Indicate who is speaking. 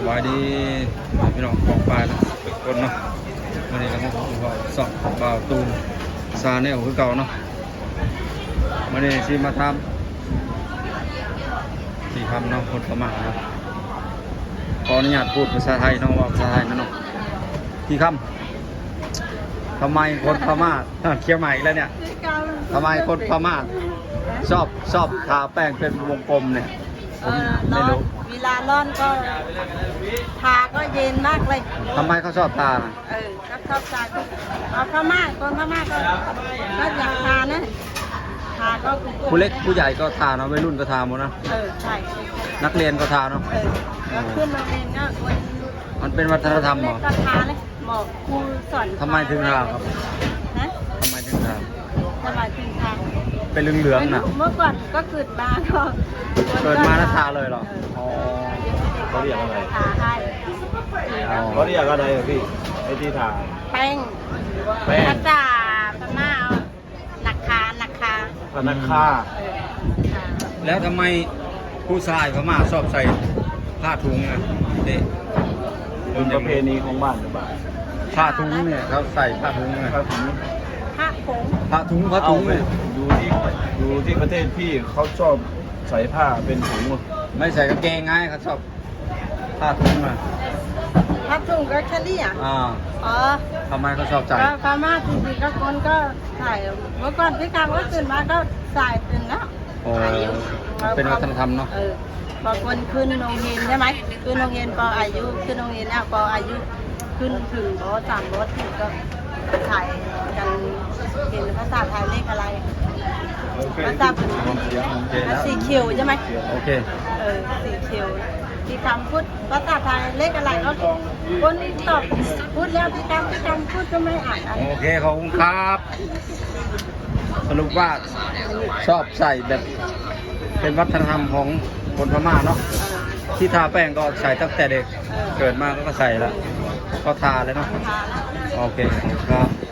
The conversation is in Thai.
Speaker 1: บายดีพี่น้องของปลายนะคนเนาะวันนี้เราก็สอบบ่าวตูนซาแนลคือเก่าเนาะวันนี้ที่มาทำที่ทำเนาะคนประมาณเนาะขออนุญาตพูดภาษาไทยเนาะว่าภาษาไทยนะเนาะที่คำทำไมคนพม่าเคี้ยวใหม่อีกแล้วเนี่ยทำไมคนพม่าชอบทาแป้งเป็นวงกลมเนี่ยผมไม่รู้
Speaker 2: เวลาร้อนก็ทาก็เย็นมากเลย
Speaker 1: ทำไมเขาชอบทานะ
Speaker 2: ก็ชอบทาเอาพม่าคนพม่าก็อยากทานะทาก็
Speaker 1: ผู้เล็กผู้ใหญ่ก็ทาเนาะวัยรุ่นก็ทาหมดนะ
Speaker 2: ใช่
Speaker 1: นักเรียนก็ทาเนาะ
Speaker 2: แล้วขึ้นโรงเรียนก็คน
Speaker 1: มันเป็นวัฒนธรรมเหรอ
Speaker 2: ก็ทาเลยหมอครูสอน
Speaker 1: ทำไมถึงทาครับ
Speaker 2: นะ
Speaker 1: ทำไมถึงทา
Speaker 2: ทำไมถึงทา
Speaker 1: เป็นเหลืองๆน่ะ
Speaker 2: เมื่อก่อนก็เกิดมาก็
Speaker 1: เกิดมาแล้วทาเลยเหรออ๋อ
Speaker 3: เขาเรียกอะไร
Speaker 2: ทาให้
Speaker 3: เขาเรียกอะไรอะพี่ไอ้ที่ทา
Speaker 2: แป้ง
Speaker 3: แป้ง
Speaker 2: ภาษาพม่าเอาหนักคา
Speaker 3: พนักฆ่า
Speaker 1: แล้วทำไมผู้ชายพม่าชอบใส่ผ้าถุงอ่ะเด็ก
Speaker 3: เป็นประเพณีของบ้านหรือเปล่า
Speaker 1: ผ้าถุงเนี่ยเขาใส่ผ้าถุงไง
Speaker 3: ครับผม
Speaker 2: ผ้าผง
Speaker 1: ผ้าถุงเนี่ย
Speaker 3: ดูที่ประเทศพี่เขาชอบใส่ผ้าเป็นถุง
Speaker 1: ไม่ใส่กางเกงไงเขาชอบผ้าถุงอ่ะ
Speaker 2: ผ้าถุงก็แค่นี้อ่ะ
Speaker 1: อ่า
Speaker 2: อ๋อ
Speaker 1: ทำไมเขาชอบใส่
Speaker 2: ก็พม่าจริงๆก็คนก็ใส่เมื่อก่อนพี่กลางก็ตื่นมาก็ใส่ตื่นแล้ว
Speaker 1: โอ้เป็นวัฒนธรรมเนาะ
Speaker 2: พอคนขึ้นโรงเรียนใช่ไหมขึ้นโรงเรียนพออายุขึ้นโรงเรียนแล้วพออายุขึ้นถึงรถถึงก็ถ่ายกันเห็นภาษาไทยเลขอะไรภาษาสีเขียวใช่ไหม
Speaker 1: โอเค
Speaker 2: สีเขียวที่คำพูดภาษาไทยเลขอะไรก็คนตอบพูดแล้วที่คำพูดก็ไม่อ่านอะไร
Speaker 1: โอเคขอบคุณครับ สรุปว่าชอบใส่แบบเป็นวัฒนธรรมของคนพม่าเนาะที่ทาแป้งก็ใส่ตั้งแต่เด็กเกิดมาก็ใส่แล้วก็ทาเลยเนาะ
Speaker 2: ทาแล้ว
Speaker 1: โอเคครับ